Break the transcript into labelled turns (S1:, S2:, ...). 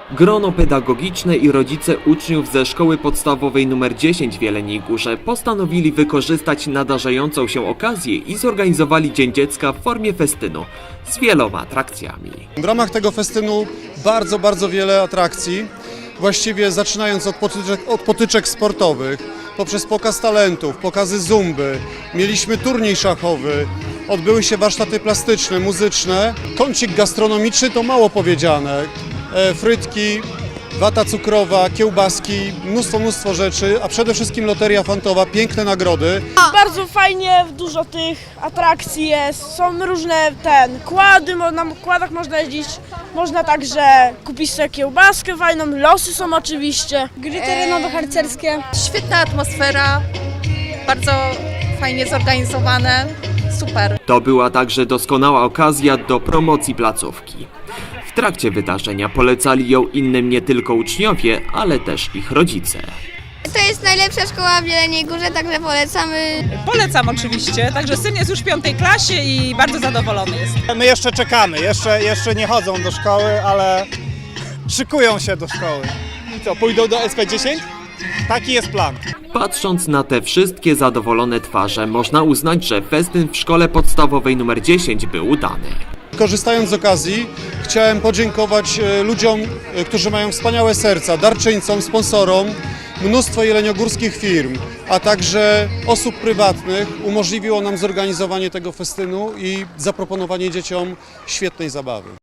S1: Grono pedagogiczne i rodzice uczniów ze szkoły podstawowej nr 10 w Jeleniej Górze postanowili wykorzystać nadarzającą się okazję i zorganizowali Dzień Dziecka w formie festynu z wieloma atrakcjami.
S2: W ramach tego festynu bardzo wiele atrakcji, właściwie zaczynając od potyczek sportowych, poprzez pokaz talentów, pokazy zumby, mieliśmy turniej szachowy, odbyły się warsztaty plastyczne, muzyczne. Kącik gastronomiczny to mało powiedziane. Frytki, wata cukrowa, kiełbaski, mnóstwo rzeczy, a przede wszystkim loteria fantowa, piękne nagrody.
S3: Bardzo fajnie, dużo tych atrakcji jest, są różne kłady, na kładach można jeździć, można także kupić sobie kiełbaskę fajną, losy są oczywiście.
S4: Gry terenowo-harcerskie.
S5: Świetna atmosfera, bardzo fajnie zorganizowane, super.
S1: To była także doskonała okazja do promocji placówki. W trakcie wydarzenia polecali ją innym nie tylko uczniowie, ale też ich rodzice.
S4: To jest najlepsza szkoła w Jeleniej Górze, także polecamy.
S6: Polecam oczywiście, także syn jest już w 5. klasie i bardzo zadowolony jest.
S7: My jeszcze czekamy, jeszcze nie chodzą do szkoły, ale szykują się do szkoły.
S8: I co, pójdą do SP10?
S7: Taki jest plan.
S1: Patrząc na te wszystkie zadowolone twarze, można uznać, że festyn w szkole podstawowej nr 10 był udany.
S2: Korzystając z okazji, chciałem podziękować ludziom, którzy mają wspaniałe serca, darczyńcom, sponsorom, mnóstwo jeleniogórskich firm, a także osób prywatnych umożliwiło nam zorganizowanie tego festynu i zaproponowanie dzieciom świetnej zabawy.